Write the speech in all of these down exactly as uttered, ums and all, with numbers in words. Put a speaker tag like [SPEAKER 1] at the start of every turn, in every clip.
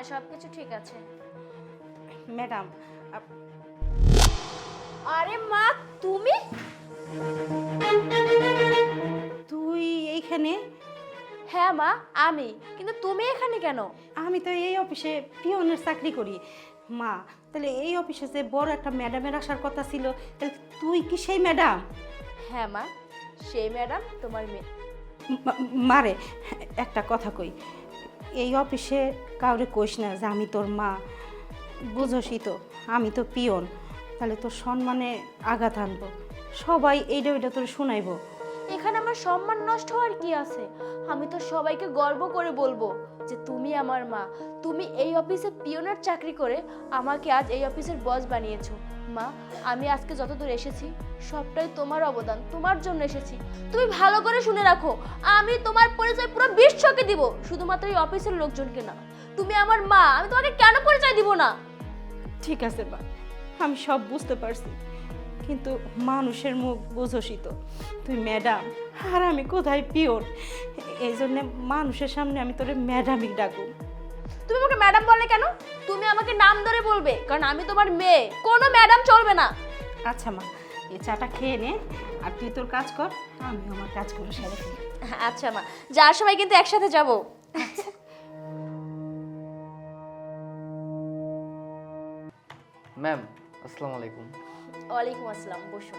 [SPEAKER 1] সব কিছু ঠিক আছে।
[SPEAKER 2] ম্যাডাম,
[SPEAKER 1] আরে মা, তুমি
[SPEAKER 2] তুই এইখানে?
[SPEAKER 1] হ্যাঁ মা, আমি। কিন্তু তুমি এখানে কেন?
[SPEAKER 2] আমি তো এই অফিসে পিয়নের চাকরি করি। মা, তাহলে এই অফিসে যে বড় একটা ম্যাডামের আসার কথা ছিল, তাহলে তুই কি সেই ম্যাডাম?
[SPEAKER 1] হ্যাঁ মা, সেই ম্যাডাম তোমার মেয়ে।
[SPEAKER 2] মা- মারে একটা কথা কই, এই অফিসে কাউরে কইস না যে আমি তোর মা। বুঝোসই তো আমি তো পিয়ন, তাহলে তোর সম্মানে আঘাত আনবো, সবাই এইটা ওইটা তোর শোনাইবো।
[SPEAKER 1] এখানে আমার সম্মান নষ্ট হওয়ার কি আছে? আমি তো সবাইকে গর্ব করে বলবো যে তুমি আমার মা। তুমি এই অফিসে পিয়নের চাকরি করে আমাকে আজ এই অফিসের বস বানিয়েছো। মা, আমি আজকে যতদূর এসেছি সবটাই তোমার অবদান, তোমার জন্য এসেছি। তুমি ভালো করে শুনে রাখো, আমি তোমার পরিচয় পুরো বিশ্বকে দিব, শুধুমাত্র এই অফিসের লোকজনকে না। তুমি আমার মা, আমি তোমাকে কেন পরিচয় দিব না?
[SPEAKER 2] ঠিক আছে মা, আমি সব বুঝতে পারছি, কিন্তু মানুষের মুখ বুঝোসই তো, তুই ম্যাডাম আর আমি কোথায় পিওর, এই জন্যে মানুষের সামনে আমি তোরে ম্যাডামই ডাকুম।
[SPEAKER 1] তুমি আমাকে ম্যাডাম বলে কেন? তুমি আমাকে নাম ধরে বলবে, কারণ আমি তোমার মেয়ে। কোনো ম্যাডাম চলবে না।
[SPEAKER 2] আচ্ছা মা, এই চাটা খেয়ে নে, আর তুই তোর কাজ কর, আমি আমার কাজ করে সেরে ফেলি।
[SPEAKER 1] আচ্ছা মা, যাওয়ার সময় কিন্তু একসাথে যাব।
[SPEAKER 3] ম্যাম, আসসালামু আলাইকুম।
[SPEAKER 1] ওয়ালাইকুম আসসালাম, বসো।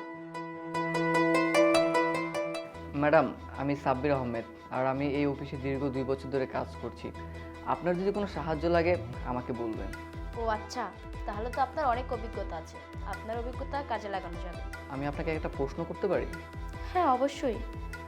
[SPEAKER 3] ম্যাডাম, আমি সাব্বির আহমেদ, আর আমি এই অফিসে দীর্ঘ দুই বছর ধরে কাজ করছি। আপনার যদি কোনো সাহায্য লাগে আমাকে বলবেন।
[SPEAKER 1] ও আচ্ছা, তাহলে তো আপনার অনেক অভিজ্ঞতা আছে, আপনার অভিজ্ঞতা কাজে লাগানো যাবে।
[SPEAKER 3] আমি আপনাকে একটা প্রশ্ন করতে পারি?
[SPEAKER 1] হ্যাঁ অবশ্যই।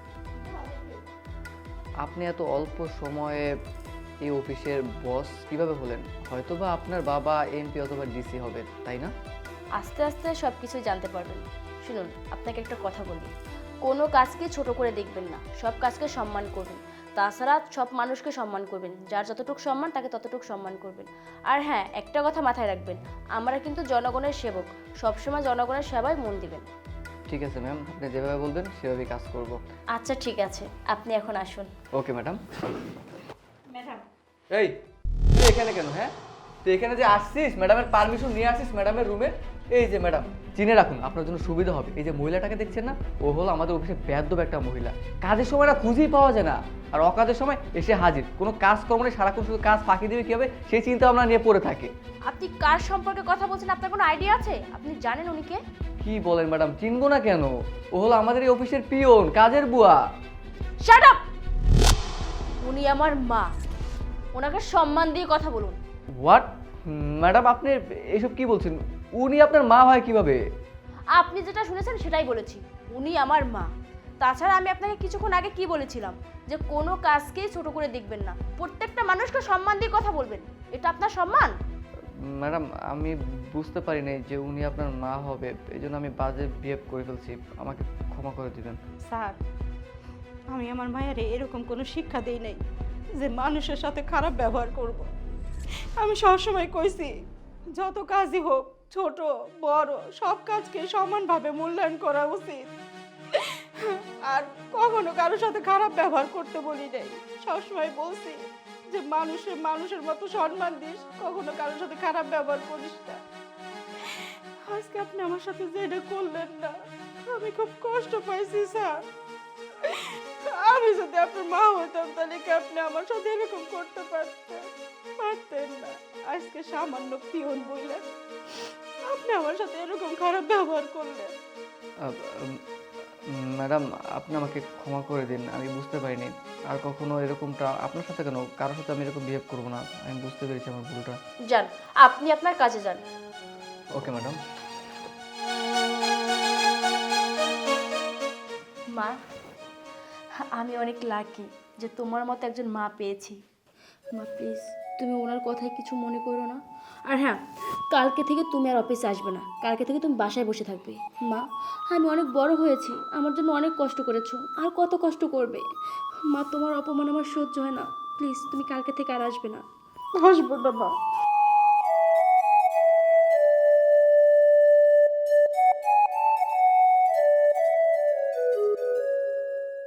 [SPEAKER 3] আপনি এত অল্প সময়ে এই অফিসের বস কিভাবে হলেন? হয়তোবা আপনার বাবা এমপি অথবা ডিসি হবে, তাই না?
[SPEAKER 1] আস্তে আস্তে সব কিছুই জানতে পারবেন। শুনুন, আপনাকে একটা কথা বলি, কোনো কাজকে ছোট করে দেখবেন না, সব কাজকে সম্মান করবেন। তাছাড়া সব মানুষকে সম্মান করবেন, যার যতটুকু সম্মান তাকে ততটুকু সম্মান করবেন। আর হ্যাঁ, একটা কথা মাথায় রাখবেন, আমরা কিন্তু জনগণের সেবক, সবসময় জনগণের সেবায় মন দিবেন।
[SPEAKER 3] ঠিক আছে ম্যাম, আপনি যেভাবে বলবেন সেভাবেই কাজ করব।
[SPEAKER 1] আচ্ছা ঠিক আছে, আপনি এখন আসুন।
[SPEAKER 3] Okay madam.
[SPEAKER 2] ম্যাডাম,
[SPEAKER 4] এই তুই এখানে কেন? হ্যাঁ, তুই এখানে যে আসছিস, ম্যাডামের পারমিশন নিয়ে আসছিস ম্যাডামের রুমে। এই যে ম্যাডাম, চিনে রাখুন, আপনার জন্য সুবিধা হবে। এই যে মহিলাটাকে দেখছেন না, ও হলো আমাদের অফিসে বেয়াদব একটা মহিলা। কাজের সময় না খুঁজেই পাওয়া যায় না, আর অকাজের সময় এসে হাজির। কোনো কাজ কর্ম নেই, সারাক্ষণ শুধু কাজ ফাঁকি দেবে কীভাবে সেই চিন্তা ভাবনা নিয়ে পড়ে থাকে।
[SPEAKER 1] আপনি কার সম্পর্কে কথা বলছেন? আপনার কোনো আইডিয়া আছে? আপনি জানেন উনি কে?
[SPEAKER 4] কি বলেন ম্যাডাম, চিনবো না কেন? ও হলো আমাদের এই অফিসের পিয়ন, কাজের বুয়া।
[SPEAKER 1] Shut up! উনি আমার মা, ওনাকে সম্মান দিয়ে কথা বলুন।
[SPEAKER 4] হোয়াট? ম্যাডাম আপনি এইসব কি বলছেন? উনি আপনার মা হয় কিভাবে?
[SPEAKER 1] আপনি যেটা শুনেছেন সেটাই বলেছি, উনি আমার মা। তাছাড়া আমি আপনাকে কিছুক্ষণ আগে কি বলেছিলাম, যে কোনো কাজকেই ছোট করে দেখবেন না, প্রত্যেকটা মানুষকে সম্মান দিয়ে কথা বলবেন। এটা আপনার সম্মান?
[SPEAKER 3] ম্যাডাম, আমি বুঝতে পারি নাই যে উনি আপনার মা হবে, এই জন্য আমি বাজে বিহেভ করে ফেলছি, আমাকে ক্ষমা করে দিবেন।
[SPEAKER 2] স্যার, আমি আমার মায়ের এরকম কোনো শিক্ষা দেই নাই যে মানুষের সাথে খারাপ ব্যবহার করব। আমি সবসময় কইছি, যত কাজই হোক, ছোট বড় সব কাজকে সমানভাবে মূল্যায়ন করা উচিত, আর কখনো কারোর সাথে খারাপ ব্যবহার করতে বলি নাই। সবসময় বলছি যে মানুষের মানুষের মতো সম্মান দিস, কখনো কারোর সাথে খারাপ ব্যবহার করিস না। আজকে আপনি আমার সাথে যেটা করলেন না, আমি খুব কষ্ট পাইছি স্যার। আমি যদি আপনার মা হইতাম তাহলে কি আপনি আমার সাথে এরকম করতে পারতেন? পারতেন না। আজকে সামান্য পিয়ন বললেন, আপনি আমার সাথে এরকম খারাপ ব্যবহার করলেন।
[SPEAKER 3] আহ, উম, ম্যাডাম, আপনি আমাকে ক্ষমা করে দিন, আমি বুঝতে পারিনি। আর কখনো এরকমটা আপনার সাথে কেন, কারোর সাথে আমি এরকম বিহেভ করবো না। আমি বুঝতে পেরেছি আমার ভুলটা।
[SPEAKER 1] যান, আপনি আপনার কাজে যান।
[SPEAKER 3] Okay madam.
[SPEAKER 1] মা, আমি অনেক লাকি যে তোমার মতো একজন মা পেয়েছি। মা প্লিজ, তুমি ওনার কথায় কিছু মনে করো না। আর হ্যাঁ, কালকে থেকে তুমি আর অফিসে আসবে না, কালকে থেকে তুমি বাসায় বসে থাকবে। মা, আমি অনেক বড় হয়েছি, আমার জন্য অনেক কষ্ট করেছো, আর কত কষ্ট করবে। মা, তোমার অপমান আমার সহ্য হয় না, প্লিজ তুমি কালকে থেকে আর আসবে না।
[SPEAKER 2] আসবো না মা,